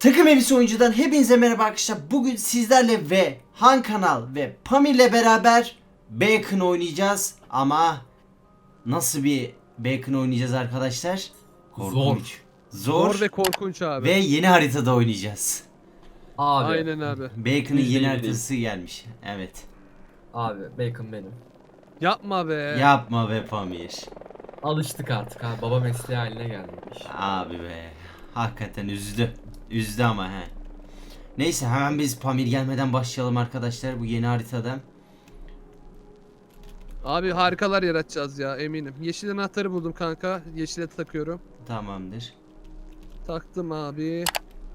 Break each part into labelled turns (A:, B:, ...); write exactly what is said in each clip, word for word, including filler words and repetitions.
A: Takım Elbise Oyuncu'dan hepinize merhaba arkadaşlar. Bugün sizlerle ve Han Kanal ve Pamir'le beraber Bacon oynayacağız. Ama nasıl bir Bacon oynayacağız arkadaşlar? Korkunç. Zor.
B: Zor ve korkunç abi.
A: Ve yeni haritada oynayacağız.
C: Abi.
B: Aynen abi.
A: Bacon'ın
C: Yüzde
A: yeni
C: yüz
A: haritası gelmiş. Evet.
C: Abi Bacon benim.
B: Yapma be.
A: Yapma be Pamir.
C: Alıştık artık ha. Baba mesleği haline gelmiş.
A: Abi be. Hakikaten üzdü. Üzdü ama he. Neyse hemen biz Pamir gelmeden başlayalım arkadaşlar bu yeni haritada.
B: Abi harikalar yaratacağız ya eminim. Yeşil anahtarı buldum kanka. Yeşile takıyorum.
A: Tamamdır.
B: Taktım abi.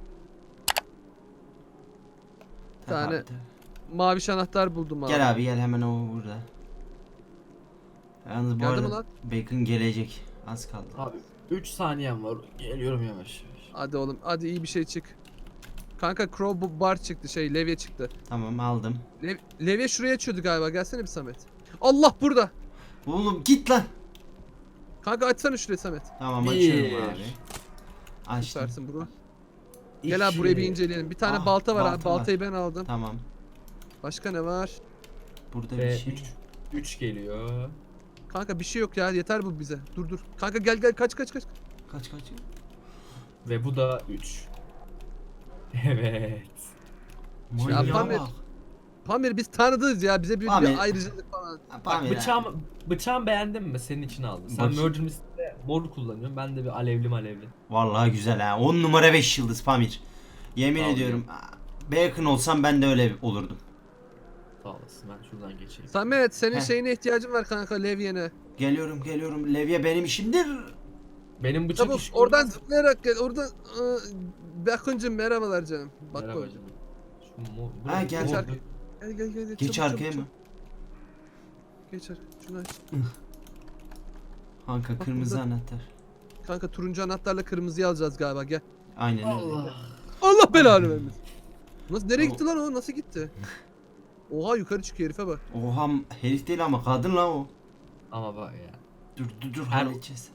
B: Bir tane
A: Tamamdır.
B: maviş anahtar buldum abi.
A: Gel abi gel hemen o burada. Yalnız bu
B: Geldi mi
A: arada
B: lan?
A: Bacon gelecek. Az kaldı.
C: Abi üç saniyem var. Geliyorum yavaş yavaş.
B: Hadi oğlum hadi iyi bir şey çık. Kanka crow bar çıktı şey levye çıktı.
A: Tamam aldım.
B: Lev levye şuraya açıyordu galiba gelsene bir Samet. Allah burada.
A: Oğlum git lan.
B: Kanka açsana şurayı Samet.
A: Tamam
C: Bir.
A: açıyorum abi. Açtım.
B: Süpersin bro. Gel abi burayı bir inceleyelim. Bir tane
A: Ah,
B: balta var
A: balta
B: abi.
A: var.
B: Baltayı ben aldım.
A: Tamam.
B: Başka ne var?
A: Burada bir
C: Ve
A: şey.
C: üç üç geliyor.
B: Kanka bir şey yok ya yeter bu bize. Dur dur. Kanka gel gel kaç kaç kaç.
A: Kaç kaç.
C: Ve bu da üç. Evet.
A: Manyağa
B: Pamir.
A: bak.
B: Pamir biz tanıdığız ya bize bir,
A: Pamir.
B: bir ayrıcalık falan.
A: Ha,
C: Bak
A: Pamir ha.
C: bıçağım, bıçağım beğendin mi? Senin için aldım. Sen
A: Bakayım.
C: Murder Mystery'de mor kullanıyorsun. Ben de bir alevli malevli.
A: Vallahi güzel ha. on numara beş yıldız Pamir. Yemin
C: Sağ ol
A: ediyorum. Bacon olsam ben de öyle olurdum.
C: Sağ olasın. Ben şuradan geçeyim.
B: Samet senin
A: Heh.
B: şeyine ihtiyacın var kanka levyene.
A: Geliyorum geliyorum. Levye benim işimdir.
C: Benim bıçak
B: Çabuk
C: işi
B: oradan
C: görmez-
B: zıplayarak gel. Oradan ıı, Bakıncım merhabalar canım. Bak
C: Merhaba
B: orada.
C: canım. Şu mo-
A: Ha,
C: buraya-
A: gel.
C: mor-
B: Gel gel gel. gel.
A: Geç
B: Çabuk,
A: arkaya
B: çabuk,
A: mı?
B: çabuk. Geç arkaya. Şunu aç.
A: Kanka
B: Bak
A: kırmızı
B: burada.
A: anahtar.
B: Kanka turuncu anahtarla kırmızıyı alacağız galiba gel.
A: Aynen öyle.
C: Allah.
B: Allah belanı vermesin. Nasıl nereye
A: Tamam.
B: gitti lan o? Nasıl gitti? Oha yukarı çıkıyor herife bak.
A: Oha herif değil ama kadın lan o.
C: Ama bak ya.
A: Dur dur dur
C: Her-
A: halledeceğiz.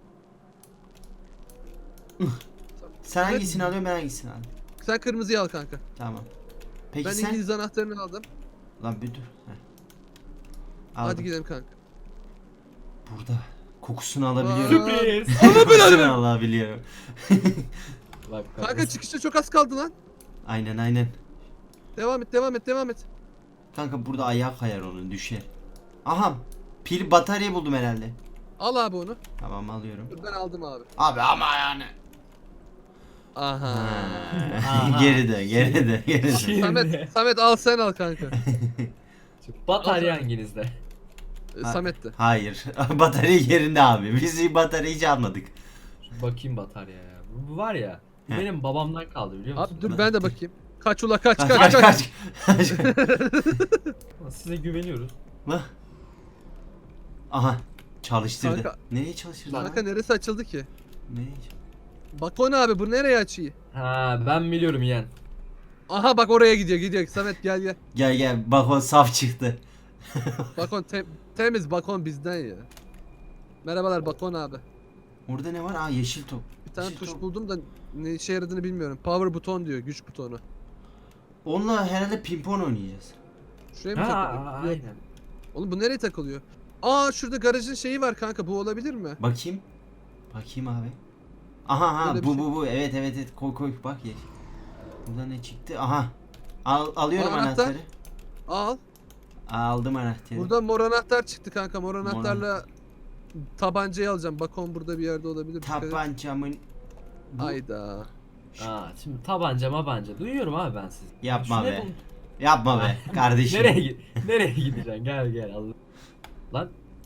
A: Sen
B: Evet.
A: hangisini alıyorsun ben hangisini alayım?
B: Sen kırmızıyı al kanka.
A: Tamam. Peki
B: Ben
A: sen?
B: İngiliz anahtarını aldım.
A: Lan bir dur. Heh.
B: Hadi
A: Aldım.
B: gidelim kanka.
A: Burada. Kokusunu alabiliyorum.
C: Sürpriz.
A: Kokusunu alabiliyorum.
C: Bak,
B: Kanka çıkışta çok az kaldı lan.
A: Aynen aynen.
B: Devam et devam et devam et.
A: Kanka burada ayağı kayar onun düşer. Aha. Pil batarya buldum herhalde.
B: Al abi onu.
A: Tamam alıyorum.
B: Dur ben aldım abi.
A: Abi ama yani.
B: Aha.
A: Ha. geri de geri de geri de.
C: Şimdi-
B: Samet, Samet al sen al kanka.
C: Batarya hanginizde?
B: Ee,
A: Ha.
B: Samet'te.
A: Hayır. Batarya yerinde abi. Biz bataryayı hiç almadık.
C: Şu bakayım bataryaya ya. Bu, bu var ya. Bu
A: Heh.
C: benim babamdan kaldı biliyor musun?
B: Abi dur ben de bakayım. Kaç ula kaç
A: Kaç
B: kaç
A: kaç
B: kaç.
A: kaç.
C: Size güveniyoruz.
A: Lan. Aha. Çalıştırdı.
B: Kanka.
A: Nereye çalıştırdı lan?
B: Kanka neresi açıldı ki?
A: Nereye çalıştırdı?
B: Bak o ne abi bu nereye açıyı?
C: Ha ben biliyorum yeğen.
B: Aha bak oraya gidiyor gidiyor. Samet gel gel.
A: Gel gel bak o saf çıktı.
B: Bakon te- temiz bakon bizden ya. Merhabalar bakon abi.
A: Orada ne var? Aa yeşil top.
B: Bir tane
A: Yeşil
B: tuş
A: top.
B: buldum da ne işe yaradığını bilmiyorum. Power buton diyor güç butonu.
A: Onunla herhalde pimpon oynayacağız.
B: Şuraya mı
C: Ha
B: takılıyor? Yok.
C: aynen.
B: Oğlum bu nereye takılıyor? Aa şurada garajın şeyi var kanka bu olabilir mi?
A: Bakayım. Bakayım abi. Aha ha
B: Böyle bir
A: bu
B: şey.
A: bu bu evet evet evet koy koy bak yeşil. Burada ne çıktı? Aha. Al, alıyorum
B: Aa, anahtar.
A: anahtarı.
B: Al.
A: Aldım anahtarı.
B: Burada mor anahtar çıktı kanka. Mor anahtarla tabancayı alacağım. Bakon burada bir yerde olabilir. Dikkat et.
A: Tabancamın bu...
B: Hayda.
C: Aa şimdi tabanca mabanca. Duyuyorum abi ben sizi.
A: Yapma
C: Şu ne
A: be.
C: bu-
A: Yapma be kardeşim.
C: Nereye gi- nereye gideceksin? Gel gel Allah. Lan.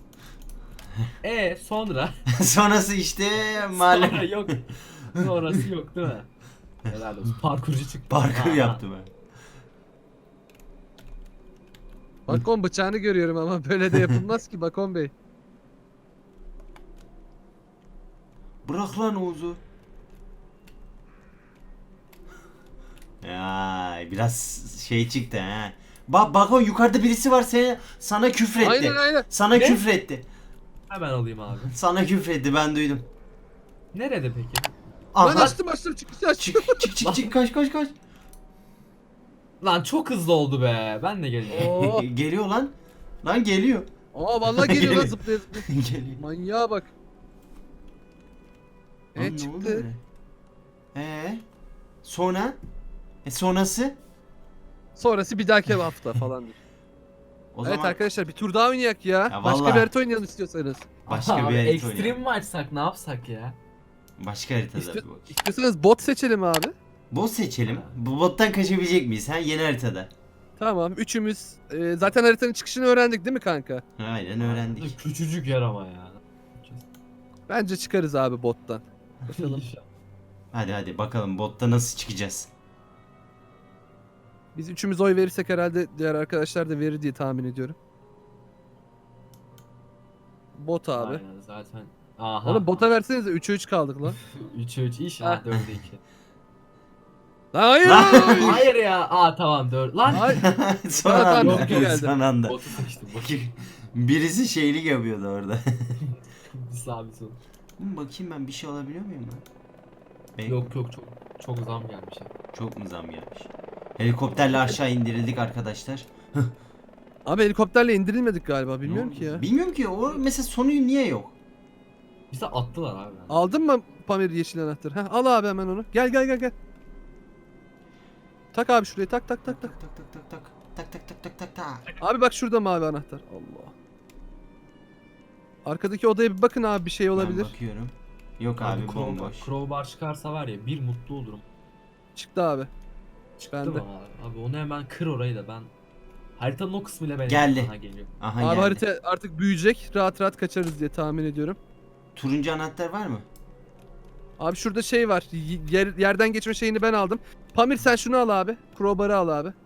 C: E sonra
A: Sonrası işte
C: sonra
A: malum
C: yok. Sonrası yok değil mi? Helal olsun. Parkurcu çıktı.
A: parkur
C: Ha,
A: yaptım ben.
B: Bakon bıçağını görüyorum ama böyle de yapılmaz ki Bakon Bey.
A: Bırak lan Oğuz'u. Ya biraz şey çıktı ha. Bak bak o yukarıda birisi var seni sana küfretti.
B: Aynen aynen.
A: Sana
C: Ne?
A: küfretti.
C: Hemen alayım abi.
A: Sana küfretti ben duydum.
C: Nerede peki?
A: Aha.
B: Lan açtım açtım çıkışı açtım.
A: Çık çık çık çık kaç kaç kaç.
C: Lan çok hızlı oldu be. Ben de geleceğim.
B: Oo.
A: Geliyor lan. Lan geliyor.
B: Aa vallahi geliyor lan zıplaya zıplaya.
A: Geliyor.
B: Manyağa bak.
A: Lan
B: E
A: ne oldu
B: çıktı.
A: öyle? Ee? Sonra? E sonrası?
B: Sonrası bir dahaki hafta falan.
A: O
B: Evet
A: zaman
B: arkadaşlar bir tur daha oynayak ya.
A: Ya
B: Başka
A: vallahi.
B: bir harita oynayalım istiyorsanız.
A: başka
C: Abi,
A: bir harita
C: Extreme
A: oynayalım.
C: mi açsak ne yapsak ya?
A: Başka haritada
B: İsti-
A: bir bakayım.
B: İstiyorsanız bot seçelim abi.
A: Bot seçelim. Bu bottan kaçabilecek miyiz? Ha yeni haritada.
B: Tamam üçümüz e, zaten haritanın çıkışını öğrendik değil mi kanka?
A: Aynen öğrendik.
C: Küçücük yer ama ya.
B: Bence çıkarız abi bottan. Bakalım.
C: İnşallah.
A: Hadi hadi bakalım botta nasıl çıkacağız.
B: Biz üçümüz oy verirsek herhalde diğer arkadaşlar da verir diye tahmin ediyorum. Bot abi.
C: Aynen zaten. Aha.
B: Oğlum bota versenize üçe üç kaldık lan.
C: üçe üç iş. Ha dörde iki.
B: Lan hayır.
A: Lan!
B: hayır.
C: Hayır ya. Aa tamam dört. Lan.
B: Hayır.
A: son
B: Tamam,
A: anda.
B: bizimki geldi.
A: Son anda.
C: Botu seçtim. Botu.
A: Birisi şeylik yapıyordu orada.
C: Sabit ol.
A: Oğlum bakayım ben bir şey alabiliyor muyum lan? Ben-
C: Yok yok çok çok zam gelmiş ya.
A: Çok mu zam gelmiş? Helikopterle aşağı indirildik arkadaşlar.
B: Abi helikopterle indirilmedik galiba bilmiyorum
A: Ne
B: ki
A: oldu?
B: ya.
A: Bilmiyorum ki o mesela sonu niye yok?
C: Bize attılar abi.
B: Aldın mı Pamir yeşil anahtarı? Heh, al abi hemen onu. Gel gel gel gel. Tak abi şuraya tak tak tak tak.
A: Tak tak tak tak tak tak tak tak tak tak.
B: Abi bak şurada mavi anahtar. Allah. Arkadaki odaya bir bakın abi bir şey olabilir.
A: Ben bakıyorum. Yok abi,
C: Abi
A: bomboş.
C: crowbar, crowbar çıkarsa var ya bir mutlu olurum.
B: Çıktı abi.
C: Çıktı
B: Bende.
C: mı abi? Abi onu hemen kır orayı da ben. Haritanın o kısmıyla ben
A: Geldi.
C: Aha, geliyor.
A: Aha
B: Abi
A: geldi.
B: harita artık büyüyecek. Rahat rahat kaçarız diye tahmin ediyorum.
A: Turuncu anahtar var mı?
B: Abi şurada şey var. y- Yer, yerden geçme şeyini ben aldım. Pamir sen şunu al abi. Crowbar'ı al abi.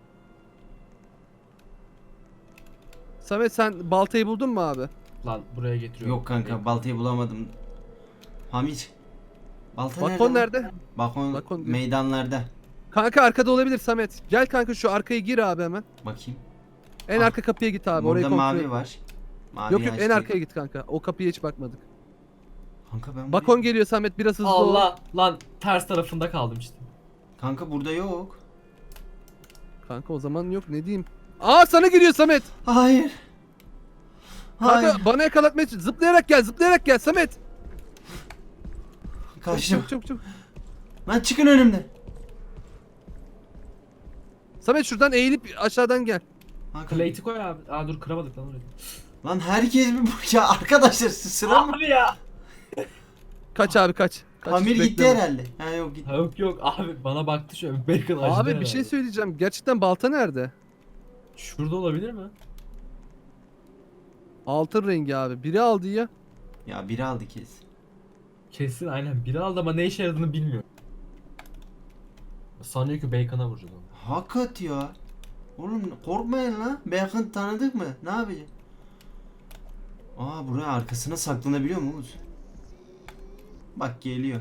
B: Samet sen baltayı buldun mu abi?
C: Lan buraya getiriyorum.
A: Yok kanka baltayı bulamadım. Hamit. Balta
B: Balkon
A: nerede? lan?
B: nerede?
A: Balkon,
B: Balkon diyor.
A: meydanlarda.
B: Kanka arkada olabilir Samet. Gel kanka şu arkayı gir abi hemen.
A: Bakayım.
B: En
A: Ah.
B: arka kapıya git abi. Orayı
A: Burada
B: kontrol
A: mavi
B: et.
A: var. Mavi
B: Yok yok en
A: açtık.
B: arkaya git kanka. O kapıya hiç bakmadık.
A: Kanka ben
B: Bakon
A: buraya-
B: geliyor Samet biraz hızlı ol.
C: Allah lan ters tarafında kaldım işte.
A: Kanka burada yok.
B: Kanka o zaman yok ne diyeyim. Aa sana geliyor Samet.
A: Hayır. Hayır.
B: Kanka bana yakalatmaya çalış- zıplayarak gel zıplayarak gel Samet.
A: Kaçtım.
B: Çabuk çabuk çabuk.
A: Lan çıkın önümden.
B: Samet şuradan eğilip aşağıdan gel.
A: Kanka,
C: Plate'i koy abi. Aa dur kıramadık lan orayı.
A: lan herkes bir bu ya arkadaşlar sıra mı?
C: Abi ya.
B: Kaç abi kaç. kaç
A: Pamir
B: hiç
A: gitti
B: bekleme.
A: herhalde. Ha yok gitti.
C: Ha, Yok yok abi bana baktı şöyle bacon acıdı
B: Abi bir
C: herhalde.
B: şey söyleyeceğim. Gerçekten balta nerede?
C: Şurada olabilir mi?
B: Altın rengi abi. Biri aldı ya.
A: Ya biri aldı kes.
C: Kesin aynen biri aldı ama ne işe yaradığını bilmiyor. Sanıyor ki bacon'a vuracağız onu.
A: Hakikat ya. Oğlum korkmayın lan. Bacon tanıdık mı? Ne yapacağız? Aa buraya arkasına saklanabiliyor muyuz? Bak geliyor.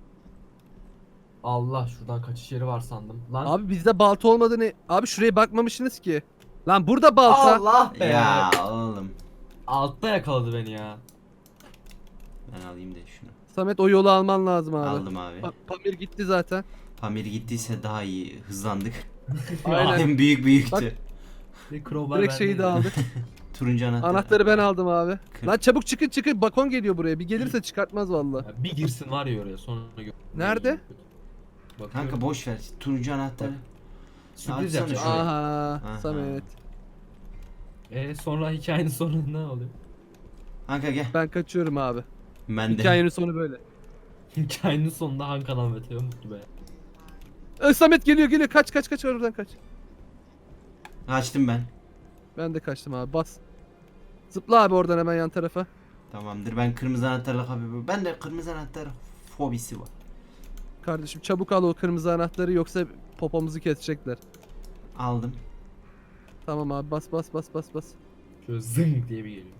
C: Allah şuradan kaçış yeri var sandım. Lan.
B: Abi bizde balta olmadığını... Abi şuraya bakmamışsınız ki. Lan burada balta.
C: Allah be.
A: Ya oğlum.
C: Altta yakaladı beni ya.
A: Ben alayım da şunu.
B: Samet o yolu alman lazım abi.
A: Aldım abi.
B: Pa- Pamir gitti zaten.
A: Pamir gittiyse daha iyi hızlandık.
B: Aynen.
A: Hem büyük büyüktü.
B: Bak,
C: Bir crowbar
B: Direkt şeyi de
C: bendeydi.
B: aldık.
A: Turuncu anahtar.
B: Anahtarı ben aldım abi.
A: Kır.
B: Lan çabuk çıkın çıkın. Bakon geliyor buraya. Bir gelirse çıkartmaz vallahi.
C: Ya bir girsin var ya oraya sonra gör.
B: Nerede?
C: Bakıyorum.
A: Kanka boş ver. Turuncu anahtarı.
C: Sürpriz
A: Açsana
C: yapacağım.
A: şurayı.
B: Aha,
A: Aha.
B: Samet.
C: E sonra hikayenin sonunda ne oluyor?
A: Kanka gel.
B: Ben kaçıyorum abi.
A: Ben de.
B: Hikayenin sonu böyle.
C: Hikayenin sonunda Han Kanal ve Teo mutlu be.
B: Ö, Samet geliyor geliyor. Kaç kaç kaç oradan kaç.
A: Açtım ben.
B: Ben de kaçtım abi. Bas. Zıpla abi oradan hemen yan tarafa.
A: Tamamdır. Ben kırmızı anahtarla kapıyorum. Ben de kırmızı anahtar fobisi var.
B: Kardeşim çabuk al o kırmızı anahtarı yoksa popomuzu kesecekler.
A: Aldım.
B: Tamam abi bas bas bas bas bas.
C: Şöyle zing diye bir geliyor.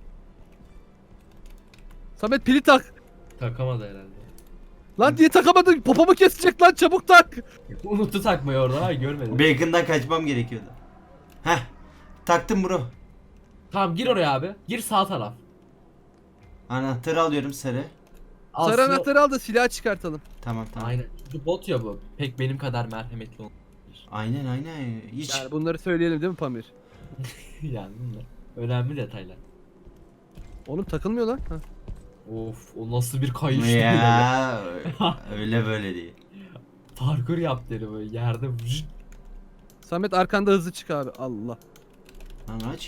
B: Samet pili tak.
C: Takamadı herhalde.
B: Lan diye takamadın. Popomu kesecek lan çabuk tak.
C: Unuttu takmayı orada ay görmedim.
A: Bacon'dan kaçmam gerekiyordu. Heh. Taktım bro.
C: Tamam gir oraya abi. Gir sağ taraf.
A: Anahtarı alıyorum sarı.
B: Sarı
C: Aslında-
B: anahtarı al da silah çıkartalım.
A: Tamam tamam.
C: Aynen. Çünkü bot ya bu. Pek benim kadar merhametli olabilir.
A: Aynen aynen. Hiç
B: Yani bunları söyleyelim değil mi Pamir?
C: Yani bunlar önemli detaylar.
B: Oğlum takılmıyor lan. Ha.
C: Of, o nasıl bir kayış böyle.
A: ya öyle böyle değil.
C: Parkur yaptı herif böyle yerde. vıcık.
B: Samet arkanda hızlı çık abi. Allah.
A: Lan aç.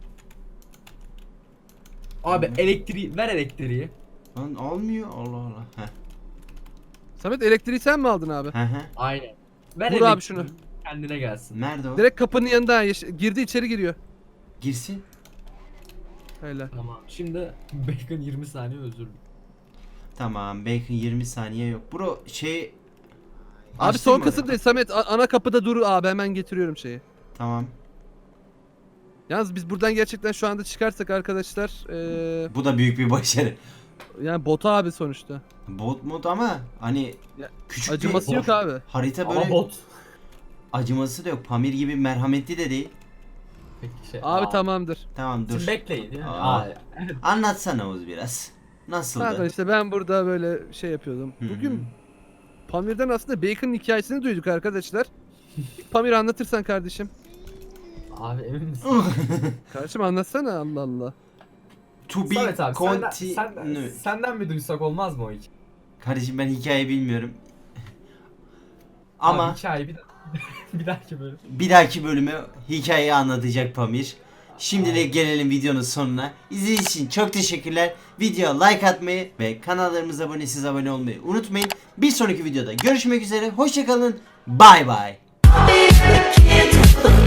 C: Abi
A: Hı.
C: elektriği ver elektriği.
A: Lan almıyor. Allah Allah. Heh.
B: Samet elektriği sen mi aldın abi?
A: Hı hı.
C: Aynen. Ver
B: Vur abi
C: elektriği,
B: şunu.
C: kendine gelsin.
A: Nerede o?
B: Direkt kapının yanında. Yeş- girdi içeri giriyor.
A: Girsin.
B: Öyle.
C: Tamam. Şimdi Bacon yirmi saniye özür dilerim.
A: Tamam. Bacon yirmi saniye yok. Bro şey
B: Abi
A: Açtın
B: son
A: mı
B: kısım
A: orayı?
B: değil Samet. a- Ana kapıda dur abi, hemen getiriyorum şeyi.
A: Tamam.
B: Yalnız biz buradan gerçekten şu anda çıkarsak arkadaşlar eee
A: Bu da büyük bir başarı.
B: yani bota abi sonuçta.
A: Bot mod ama hani
B: Ya,
A: küçük
B: Acıması
A: bir
B: yok abi.
A: harita
C: Ama
A: böyle
C: bot.
A: acıması da yok. Pamir gibi merhametli de değil.
C: Peki şey.
B: Abi
C: aa,
B: tamamdır.
A: Tamam dur.
C: Şimdi bekleyin. Yani.
A: Aa.
C: Aa.
A: Anlatsana Oğuz biraz. Nasıldı?
B: Kanka işte ben burada böyle şey yapıyordum.
A: Hı hı.
B: Bugün Pamir'den aslında Bacon'ın hikayesini duyduk arkadaşlar. Pamir anlatırsan kardeşim.
C: Abi emin misin?
B: Kardeşim anlatsana, Allah Allah.
A: To be
C: Samet abi senden,
A: continue.
C: senden, senden mi duysak olmaz mı o hikaye?
A: Kardeşim ben hikaye bilmiyorum.
C: Ama
A: Ama
C: abi, hikaye bir, bir dahaki bölüm.
A: bir dahaki bölüme hikayeyi anlatacak Pamir. Şimdilik gelelim videonun sonuna. İzlediğiniz için çok teşekkürler. Videoya like atmayı ve kanallarımıza abone siz abone olmayı unutmayın. Bir sonraki videoda görüşmek üzere. Hoşçakalın. Bay bay.
D: Be the kid.